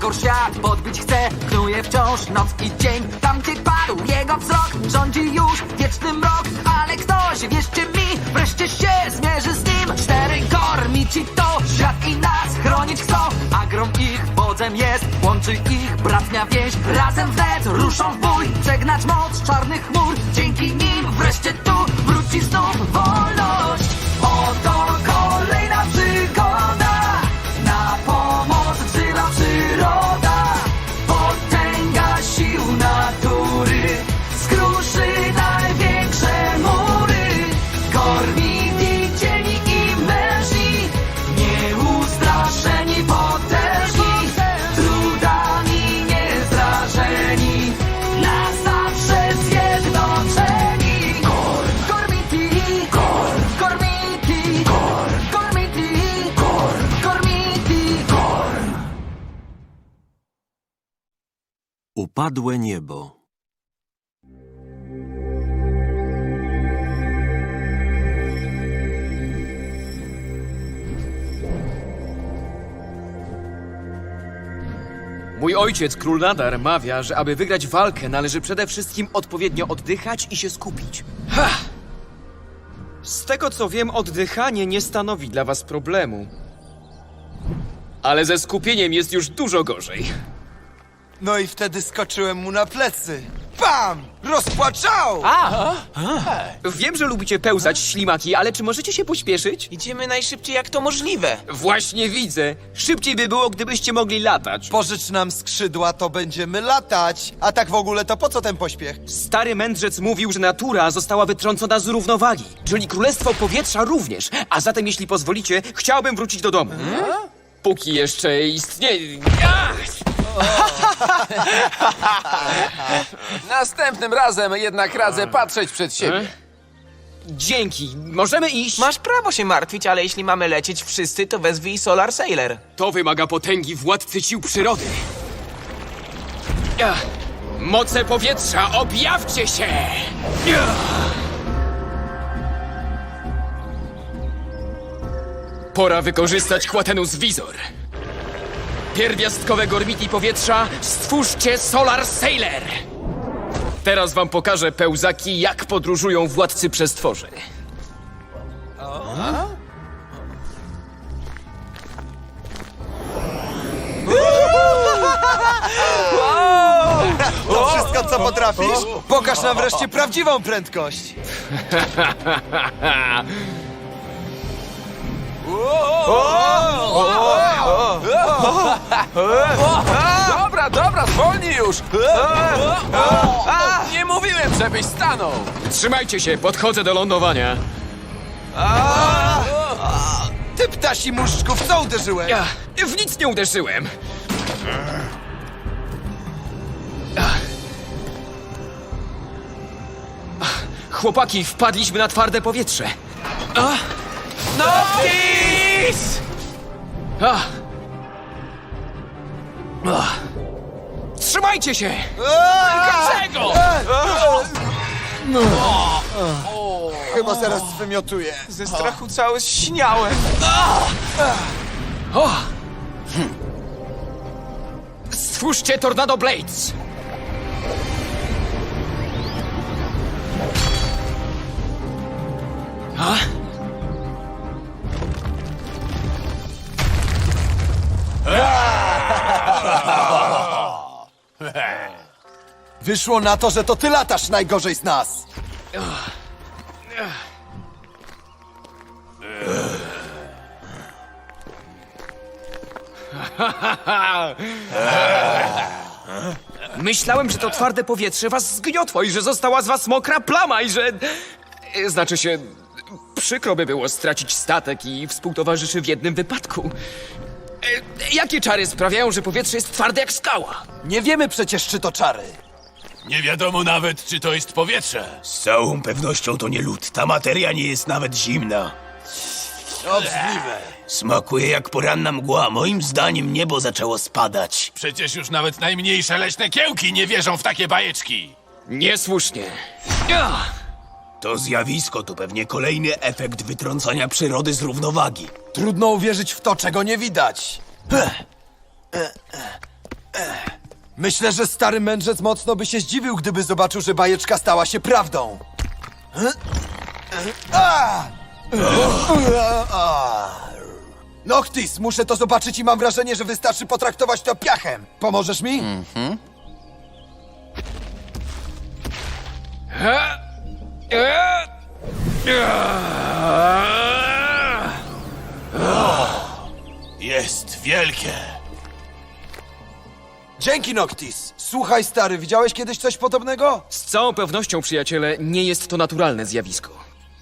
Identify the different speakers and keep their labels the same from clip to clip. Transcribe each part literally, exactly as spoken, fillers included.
Speaker 1: potwór świat podbić chce, knuje wciąż noc i dzień. Tam gdzie padł jego wzrok, rządzi już wieczny mrok. Ale ktoś, wierzcie mi, wreszcie się zmierzy z nim. Cztery gormici to świat i nas chronić chcą, a grom ich wodzem jest, łączy ich bratnia więź. Razem wnet ruszą w bój, przegnać moc czarnych chmur. Dzięki nim wreszcie tu wróci znów wolność. Oto kolejna przygoda, na pomoc wzywa przyroda. Potęga sił natury skruszy największe mury. Gormiti, cieni i mężni, nieustraszeni, potężni, trudami niezrażeni, na zawsze zjednoczeni. Gorm, Gormiti, Gorm, Gormiti, Gorm, Gormiti, Gorm, Gormiti, Gorm.
Speaker 2: Upadłe niebo.
Speaker 3: Mój ojciec, król Nadar, mawia, że aby wygrać walkę, należy przede wszystkim odpowiednio oddychać i się skupić. Ha! Z tego co wiem, oddychanie nie stanowi dla was problemu. Ale ze skupieniem jest już dużo gorzej.
Speaker 4: No i wtedy skoczyłem mu na plecy. Bam! Rozpłaczał!
Speaker 3: Wiem, że lubicie pełzać, ślimaki, ale czy możecie się pośpieszyć?
Speaker 5: Idziemy najszybciej jak to możliwe.
Speaker 3: Właśnie widzę. Szybciej by było, gdybyście mogli latać.
Speaker 4: Pożycz nam skrzydła, to będziemy latać. A tak w ogóle to po co ten pośpiech?
Speaker 3: Stary mędrzec mówił, że natura została wytrącona z równowagi, czyli królestwo powietrza również. A zatem, jeśli pozwolicie, chciałbym wrócić do domu. Póki jeszcze istnieje... Ach!
Speaker 6: Następnym razem jednak radzę patrzeć przed siebie.
Speaker 3: Dzięki. Możemy iść?
Speaker 5: Masz prawo się martwić, ale jeśli mamy lecieć wszyscy, to wezwij Solar Sailor.
Speaker 3: To wymaga potęgi władcy sił przyrody. Ach. Moce powietrza, objawcie się! Ach. Pora wykorzystać Quatenus Visor. Pierwiastkowe gormiti powietrza, stwórzcie Solar Sailor! Teraz wam pokażę, pełzaki, jak podróżują władcy przestworzy.
Speaker 4: To wszystko, co potrafisz? Pokaż nam wreszcie prawdziwą prędkość.
Speaker 6: Dobra, dobra, zwolnij już! A, nie mówiłem, żebyś stanął!
Speaker 3: Trzymajcie się, podchodzę do lądowania.
Speaker 4: Ty ptasi muszczku, w co uderzyłeś?
Speaker 3: Ja w nic nie uderzyłem. Ach. Ach, Chłopaki, wpadliśmy na twarde powietrze. Ach.
Speaker 5: Noctis!
Speaker 3: Ach. Ach. Trzymajcie się!
Speaker 6: Dlaczego?
Speaker 4: Chyba zaraz zwymiotuję.
Speaker 5: Ze strachu cały zśniałem.
Speaker 3: O! Hm. Stwórzcie Tornado Blades! A?
Speaker 4: Wyszło na to, że to ty latasz najgorzej z nas.
Speaker 3: Myślałem, że to twarde powietrze was zgniotło i że została z was mokra plama i że... e, Znaczy się... Przykro by było stracić statek i współtowarzyszy w jednym wypadku. E, Jakie czary sprawiają, że powietrze jest twarde jak skała?
Speaker 4: Nie wiemy przecież, czy to czary.
Speaker 7: Nie wiadomo nawet, czy to jest powietrze.
Speaker 2: Z całą pewnością to nie lód. Ta materia nie jest nawet zimna.
Speaker 4: Obrzydliwe.
Speaker 2: Smakuje jak poranna mgła. Moim zdaniem niebo zaczęło spadać.
Speaker 7: Przecież już nawet najmniejsze leśne kiełki nie wierzą w takie bajeczki.
Speaker 3: Niesłusznie.
Speaker 2: To zjawisko to pewnie kolejny efekt wytrącania przyrody z równowagi.
Speaker 4: Trudno uwierzyć w to, czego nie widać. Myślę, że stary mędrzec mocno by się zdziwił, gdyby zobaczył, że bajeczka stała się prawdą. A! Noctis, muszę to zobaczyć i mam wrażenie, że wystarczy potraktować to piachem. Pomożesz mi?
Speaker 7: Jest wielkie.
Speaker 4: Dzięki, Noctis. Słuchaj, stary, widziałeś kiedyś coś podobnego?
Speaker 3: Z całą pewnością, przyjaciele, nie jest to naturalne zjawisko.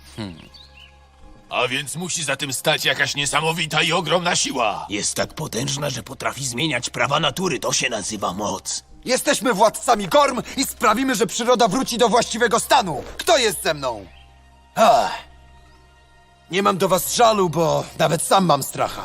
Speaker 7: A więc musi za tym stać jakaś niesamowita i ogromna siła.
Speaker 2: Jest tak potężna, że potrafi zmieniać prawa natury. To się nazywa moc.
Speaker 4: Jesteśmy władcami Gorm i sprawimy, że przyroda wróci do właściwego stanu. Kto jest ze mną? Ach. Nie mam do was żalu, bo nawet sam mam stracha.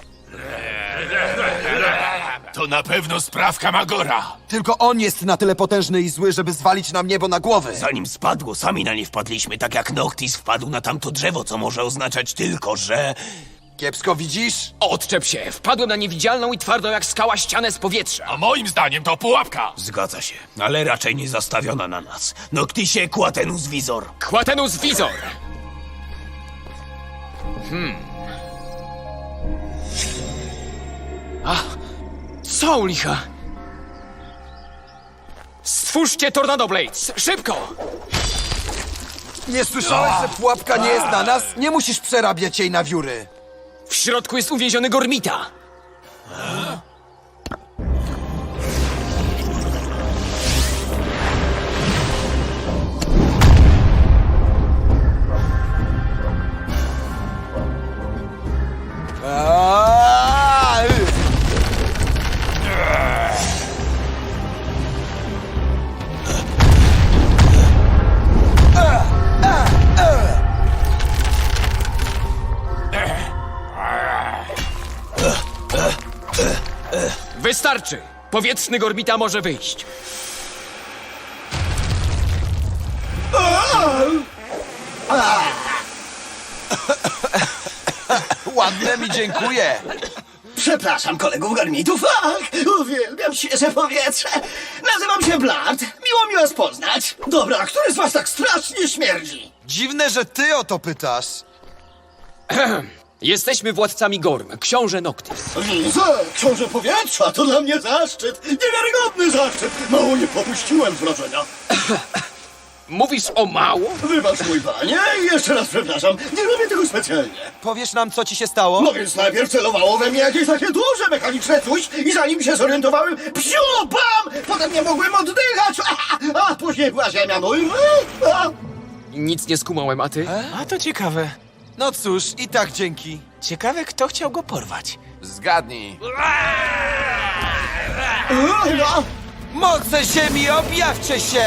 Speaker 7: To na pewno sprawka Magora.
Speaker 4: Tylko on jest na tyle potężny i zły, żeby zwalić nam niebo na głowy.
Speaker 2: Zanim spadło, sami na nie wpadliśmy, tak jak Noctis wpadł na tamto drzewo, co może oznaczać tylko, że...
Speaker 4: Kiepsko widzisz?
Speaker 3: Odczep się! Wpadłem na niewidzialną i twardą jak skała ścianę z powietrza.
Speaker 7: A moim zdaniem to pułapka.
Speaker 2: Zgadza się, ale raczej nie zastawiona na nas. Noctisie, Quatenus Visor.
Speaker 3: Quatenus Visor! Hmm. A, co u licha? Stwórzcie Tornado Blades! Szybko!
Speaker 4: Nie słyszałeś, że pułapka nie jest na nas? Nie musisz przerabiać jej na wióry.
Speaker 3: W środku jest uwięziony Gormita!
Speaker 4: Aaaa!
Speaker 3: Wystarczy! Powietrzny Gormita może wyjść.
Speaker 4: Ładne mi dziękuję.
Speaker 8: Przepraszam kolegów garmitów, ach, uwielbiam świeże powietrze. Nazywam się Blart, miło mi was poznać. Dobra, a który z was tak strasznie śmierdzi?
Speaker 4: Dziwne, że ty o to pytasz.
Speaker 3: Jesteśmy władcami Gorm, książę Noctis.
Speaker 8: Widzę, książę powietrza, to dla mnie zaszczyt, niewiarygodny zaszczyt. Mało nie popuściłem wrażenia.
Speaker 3: Mówisz o mało?
Speaker 8: Wybacz mój panie i jeszcze raz przepraszam, nie robię tego specjalnie.
Speaker 4: Powiesz nam, co ci się stało?
Speaker 8: No więc najpierw celowało we mnie jakieś takie duże mechaniczne coś i zanim się zorientowałem, psiu, bam! Potem nie mogłem oddychać, a, a później była ziemia, no i... A.
Speaker 3: Nic nie skumałem, a ty?
Speaker 5: A to ciekawe.
Speaker 4: No cóż, i tak dzięki.
Speaker 5: Ciekawe, kto chciał go porwać.
Speaker 6: Zgadnij.
Speaker 8: No.
Speaker 4: Moce ziemi, objawcie się!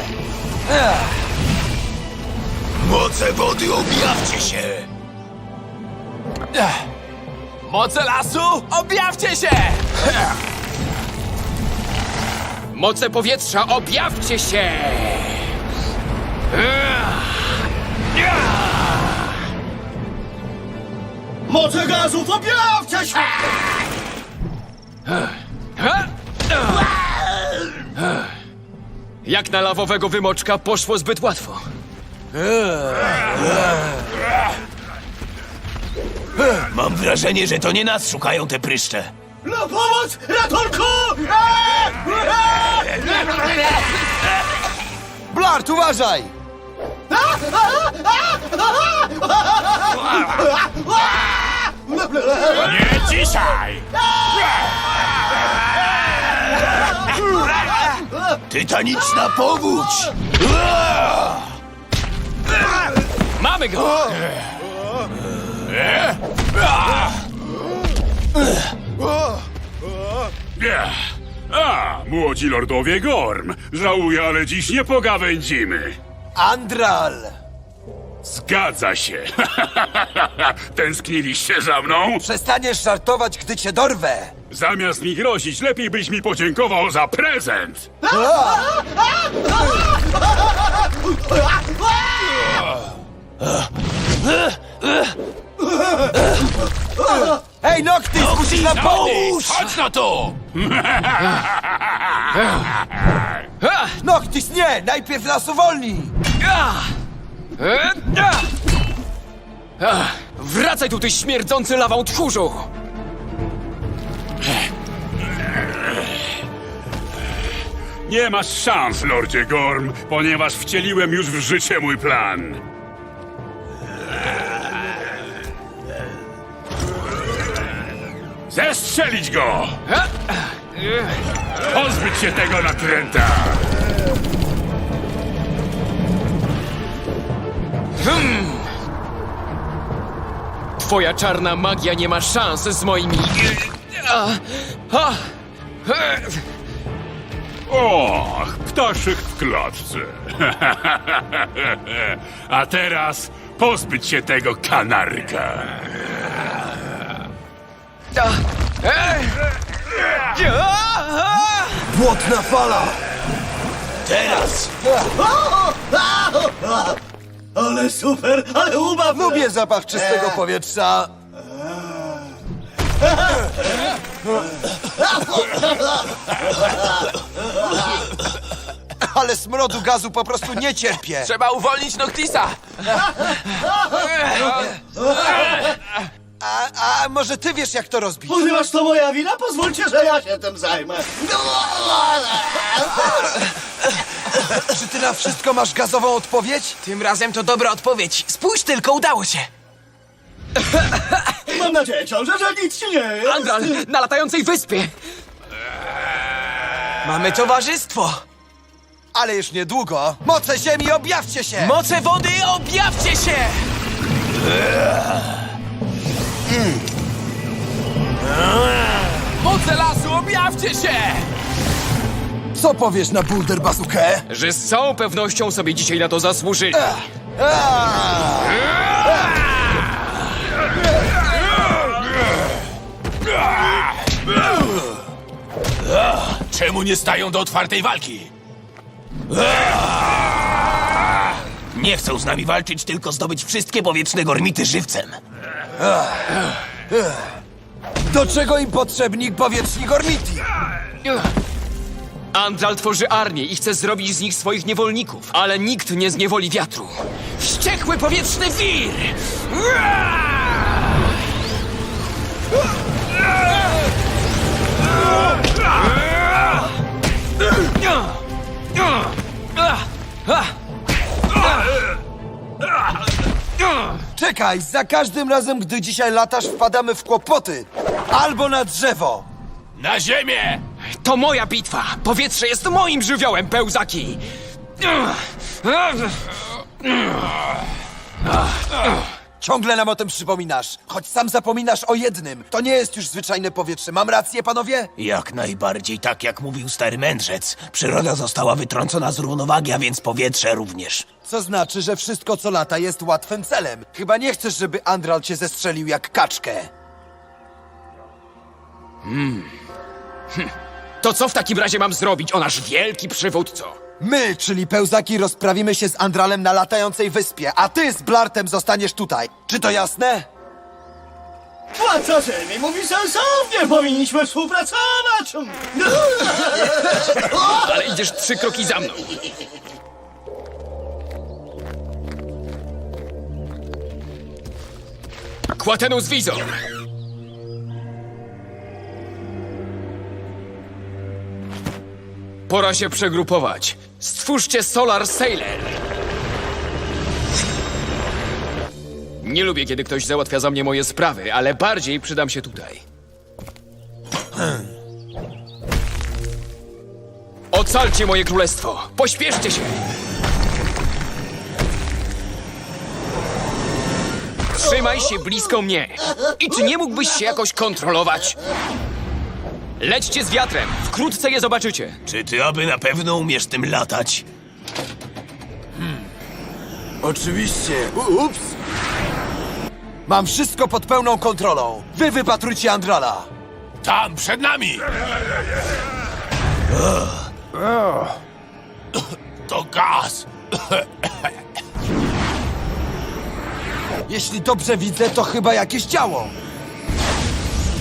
Speaker 2: Moce wody, objawcie się!
Speaker 6: Moce lasu, objawcie się!
Speaker 3: Moce powietrza, objawcie się!
Speaker 8: Moce gazów, objawcie się!
Speaker 3: Jak na lawowego wymoczka poszło zbyt łatwo.
Speaker 2: Mam wrażenie, że to nie nas szukają te pryszcze.
Speaker 8: Na pomoc, ratunku!
Speaker 4: Blart, uważaj!
Speaker 7: Nie dzisiaj!
Speaker 2: Tytaniczna powódź!
Speaker 3: Mamy go!
Speaker 9: A, młodzi lordowie Gorm. Żałuję, ale dziś nie pogawędzimy.
Speaker 4: Andral!
Speaker 9: Zgadza się. Tęskniliście za mną?
Speaker 4: Przestaniesz żartować, gdy cię dorwę!
Speaker 9: Zamiast mi grozić, lepiej byś mi podziękował za prezent.
Speaker 4: Hej, Noctis, musisz nam pomóc!
Speaker 7: Chodź no tu!
Speaker 4: Noctis, nie! Najpierw nas uwolnij!
Speaker 3: E, a! A, Wracaj tu, ty śmierdzący lawą tchórzu!
Speaker 9: Nie masz szans, Lordzie Gorm, ponieważ wcieliłem już w życie mój plan. Zestrzelić go! Pozbyć się tego natręta!
Speaker 3: Twoja czarna magia nie ma szans z moimi... A, a, e,
Speaker 9: Och, ptaszyk w klatce. A teraz pozbyć się tego kanarka.
Speaker 3: a, e, a, a.
Speaker 4: Błotna fala!
Speaker 2: Teraz!
Speaker 8: Ale super, ale ubaw!
Speaker 4: Lubię zapach czystego powietrza. Ale smrodu gazu po prostu nie cierpię.
Speaker 5: Trzeba uwolnić Noctisa!
Speaker 4: A, a może ty wiesz, jak to rozbić?
Speaker 8: Ponieważ to moja wina, pozwólcie, że ja się tym zajmę.
Speaker 4: Czy ty na wszystko masz gazową odpowiedź?
Speaker 5: Tym razem to dobra odpowiedź. Spójrz tylko, udało się!
Speaker 8: Mam nadzieję, książę, że nic ci nie jest.
Speaker 3: Andral, na latającej wyspie!
Speaker 5: Mamy towarzystwo!
Speaker 4: Ale już niedługo. Moce ziemi, objawcie się!
Speaker 5: Moce wody, objawcie się! Moce lasu, objawcie się!
Speaker 4: Co powiesz na Boulder Bazookę?
Speaker 3: Że z całą pewnością sobie dzisiaj na to zasłużyli.
Speaker 7: Czemu nie stają do otwartej walki?
Speaker 2: Nie chcą z nami walczyć, tylko zdobyć wszystkie powietrzne gormity żywcem.
Speaker 4: Do czego im potrzebni powietrzni gormiti?
Speaker 3: Andral tworzy armię i chce zrobić z nich swoich niewolników, ale nikt nie zniewoli wiatru. Wściekły powietrzny wir!
Speaker 4: Czekaj, za każdym razem, gdy dzisiaj latasz, wpadamy w kłopoty. Albo na drzewo.
Speaker 7: Na ziemię!
Speaker 3: To moja bitwa! Powietrze jest moim żywiołem, pełzaki!
Speaker 4: Ciągle nam o tym przypominasz. Choć sam zapominasz o jednym. To nie jest już zwyczajne powietrze. Mam rację, panowie?
Speaker 2: Jak najbardziej tak, jak mówił stary mędrzec. Przyroda została wytrącona z równowagi, a więc powietrze również.
Speaker 4: Co znaczy, że wszystko, co lata, jest łatwym celem. Chyba nie chcesz, żeby Andral cię zestrzelił jak kaczkę.
Speaker 3: To co w takim razie mam zrobić, o nasz wielki przywódco?
Speaker 4: My, czyli pełzaki, rozprawimy się z Andralem na latającej wyspie, a ty z Blartem zostaniesz tutaj. Czy to jasne?
Speaker 8: Władca ziemi mówi sensownie, powinniśmy współpracować.
Speaker 3: Ale idziesz trzy kroki za mną. Quatenus Visor! Pora się przegrupować. Stwórzcie Solar Sailor. Nie lubię, kiedy ktoś załatwia za mnie moje sprawy, ale bardziej przydam się tutaj. Ocalcie moje królestwo! Pośpieszcie się! Trzymaj się blisko mnie! I czy nie mógłbyś się jakoś kontrolować? Lećcie z wiatrem! Wkrótce je zobaczycie!
Speaker 2: Czy ty aby na pewno umiesz tym latać?
Speaker 4: Oczywiście. Ups. Mam wszystko pod pełną kontrolą. Wy wypatrujcie Andrala.
Speaker 7: Tam, przed nami! To gaz!
Speaker 4: Jeśli dobrze widzę, to chyba jakieś ciało.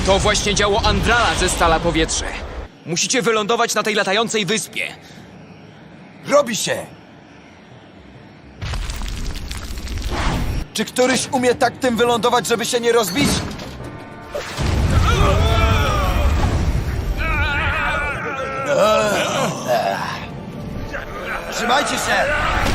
Speaker 3: To właśnie działo Andrala ze Stala Powietrze. Musicie wylądować na tej latającej wyspie.
Speaker 4: Robi się! Czy któryś umie tak tym wylądować, żeby się nie rozbić? Trzymajcie się!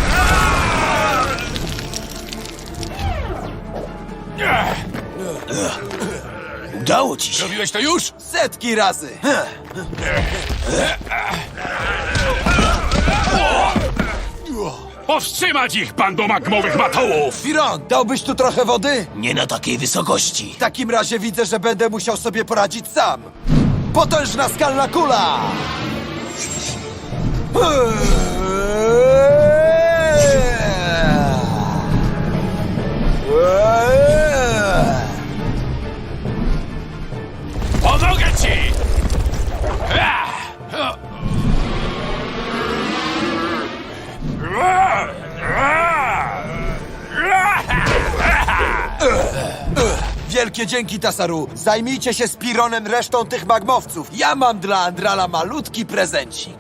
Speaker 2: Udało ci się.
Speaker 7: Robiłeś to już?
Speaker 4: Setki razy!
Speaker 9: Powstrzymać ich, bando magmowych matołów!
Speaker 4: Firon, dałbyś tu trochę wody?
Speaker 2: Nie na takiej wysokości.
Speaker 4: W takim razie widzę, że będę musiał sobie poradzić sam. Potężna skalna kula!
Speaker 7: Pomogę ci!
Speaker 4: Wielkie dzięki, Tasaru. Zajmijcie się z Pironem resztą tych magmowców. Ja mam dla Andrala malutki prezencik.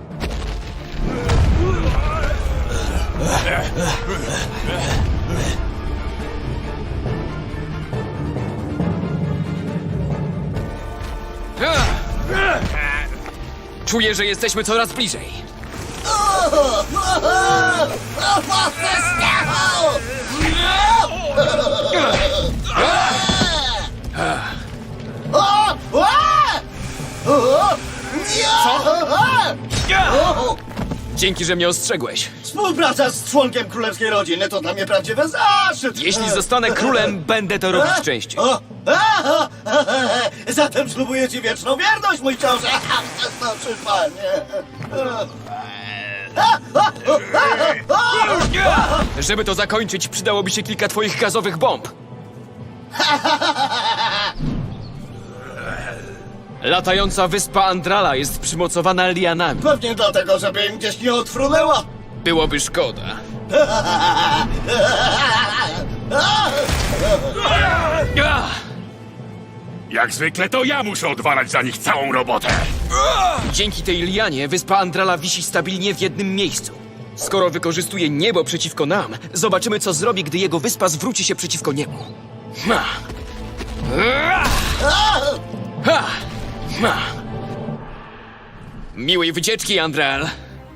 Speaker 3: Czuję, że jesteśmy coraz bliżej. Dzięki, że mnie ostrzegłeś.
Speaker 8: Współpraca z członkiem królewskiej rodziny to dla mnie prawdziwy zaszczyt.
Speaker 3: Jeśli zostanę królem, będę to robić częściej.
Speaker 8: O! A, a, a, zatem ślubuję ci wieczną wierność, mój książę. Przestań, panie.
Speaker 3: Żeby to zakończyć, przydałoby się kilka twoich gazowych bomb. Latająca wyspa Andrala jest przymocowana lianami.
Speaker 8: Pewnie dlatego, żeby im gdzieś nie odfrunęła.
Speaker 3: Byłoby szkoda.
Speaker 9: Jak zwykle to ja muszę odwalać za nich całą robotę.
Speaker 3: Dzięki tej lianie wyspa Andrala wisi stabilnie w jednym miejscu. Skoro wykorzystuje niebo przeciwko nam, zobaczymy, co zrobi, gdy jego wyspa zwróci się przeciwko niemu. Ha! Ha! Ha! Miłej wycieczki, Andral.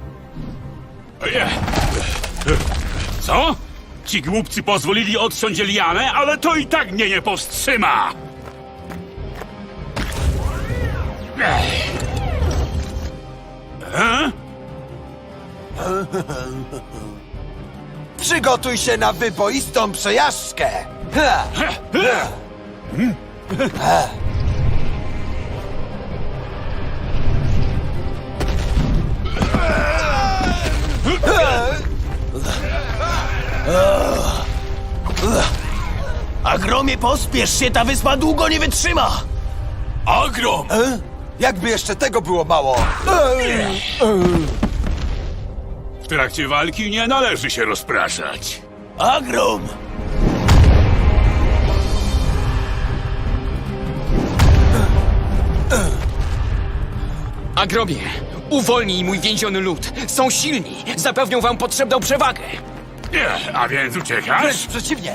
Speaker 9: Co? Ci głupcy pozwolili odciąć lianę, ale to i tak mnie nie powstrzyma. E?
Speaker 4: Przygotuj się na wyboistą przejażdżkę! Ha!
Speaker 2: Agromie, pospiesz się, ta wyspa długo nie wytrzyma.
Speaker 7: Ogrom!
Speaker 4: E? Jakby jeszcze tego było mało!
Speaker 9: W trakcie walki nie należy się rozpraszać.
Speaker 2: Agrom!
Speaker 3: Agromie, uwolnij mój więziony lud. Są silni, zapewnią wam potrzebną przewagę.
Speaker 9: Nie, a więc uciekasz?
Speaker 4: Wręcz przeciwnie!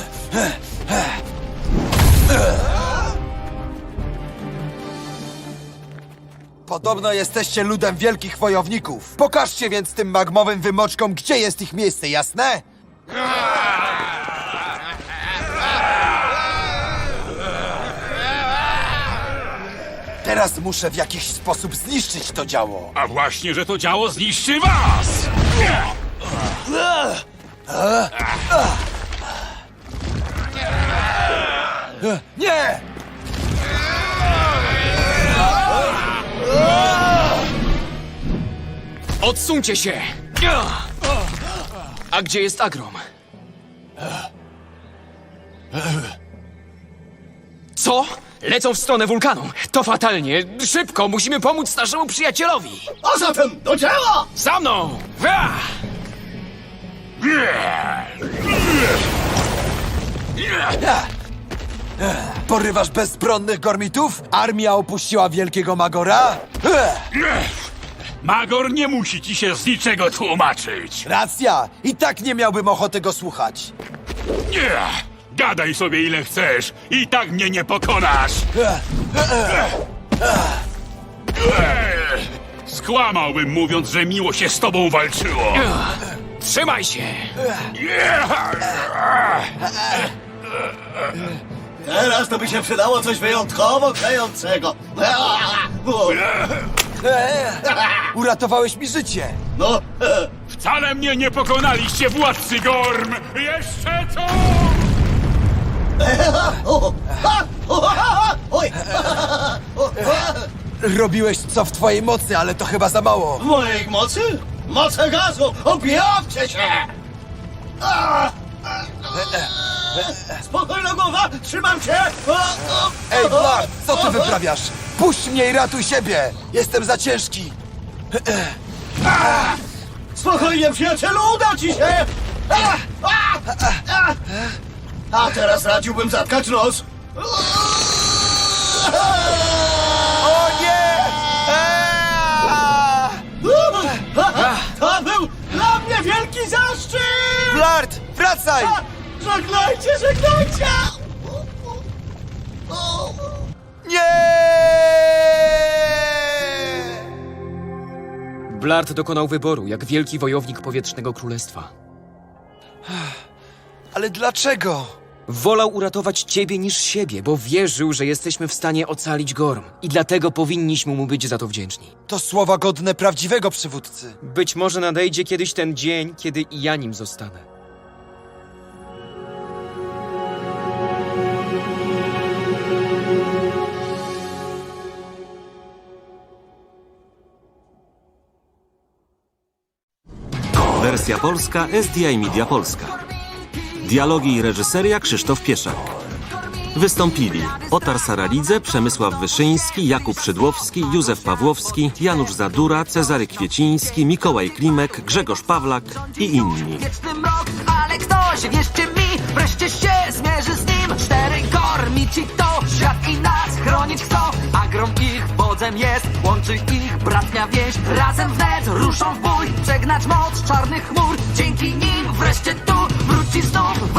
Speaker 4: Podobno jesteście ludem wielkich wojowników. Pokażcie więc tym magmowym wymoczkom, gdzie jest ich miejsce, jasne? Teraz muszę w jakiś sposób zniszczyć to działo.
Speaker 9: A właśnie, że to działo zniszczy was!
Speaker 4: Nie!
Speaker 3: Odsuńcie się! A gdzie jest Agrom? Co? Lecą w stronę wulkanu. To fatalnie. Szybko, musimy pomóc naszemu przyjacielowi.
Speaker 8: A zatem do dzieła!
Speaker 3: Za mną! Wa!
Speaker 4: Porywasz bezbronnych gormitów? Armia opuściła wielkiego Magora? Ech,
Speaker 9: Ech, Magor nie musi ci się z niczego tłumaczyć.
Speaker 4: racja! I tak nie miałbym ochoty go słuchać.
Speaker 9: Nie! Gadaj sobie ile chcesz, i tak mnie nie pokonasz! Ech, Skłamałbym mówiąc, że miło się z tobą walczyło.
Speaker 3: Trzymaj się!
Speaker 8: Teraz to by się przydało coś wyjątkowo klejącego.
Speaker 4: Uratowałeś mi życie!
Speaker 8: No,
Speaker 9: Wcale mnie nie pokonaliście, władcy Gorm! Jeszcze co?
Speaker 8: oj,
Speaker 4: Robiłeś co w twojej mocy, ale to chyba za mało.
Speaker 8: w mojej mocy? Moce gazu! Objawcie się! Spokojna głowa, trzymam się!
Speaker 4: Ej, Blart, co ty wyprawiasz? Puść mnie i ratuj siebie! Jestem za ciężki!
Speaker 8: Spokojnie, przyjacielu, uda ci się! A, a, a, a teraz radziłbym zatkać nos.
Speaker 4: O nie!
Speaker 8: To był dla mnie wielki zaszczyt!
Speaker 4: Blart, wracaj!
Speaker 8: Żegnajcie, żegnajcie!
Speaker 4: Nie!
Speaker 3: Blart dokonał wyboru, jak wielki wojownik powietrznego królestwa.
Speaker 4: Ale dlaczego?
Speaker 3: Wolał uratować ciebie niż siebie, bo wierzył, że jesteśmy w stanie ocalić Gorm. I dlatego powinniśmy mu być za to wdzięczni.
Speaker 4: To słowa godne prawdziwego przywódcy.
Speaker 3: Być może nadejdzie kiedyś ten dzień, kiedy i ja nim zostanę.
Speaker 10: Wersja polska S D I Media Polska. Dialogi i reżyseria Krzysztof Pieszak. Wystąpili Otar Saralidze, Przemysław Wyszyński, Jakub Szydłowski, Józef Pawłowski, Janusz Zadura, Cezary Kwieciński, Mikołaj Klimek, Grzegorz Pawlak i inni.
Speaker 1: Wieczny mrok, ale ktoś, wierzcie mi, wreszcie się zmierzy z nim. Cztery gormici to świat i nas chronić chcą, a grom ich wodzem jest, łączy ich bratnia więź. Razem wnet ruszą w bój, przegnać moc czarnych chmur. Dzięki nim wreszcie tu wróci znów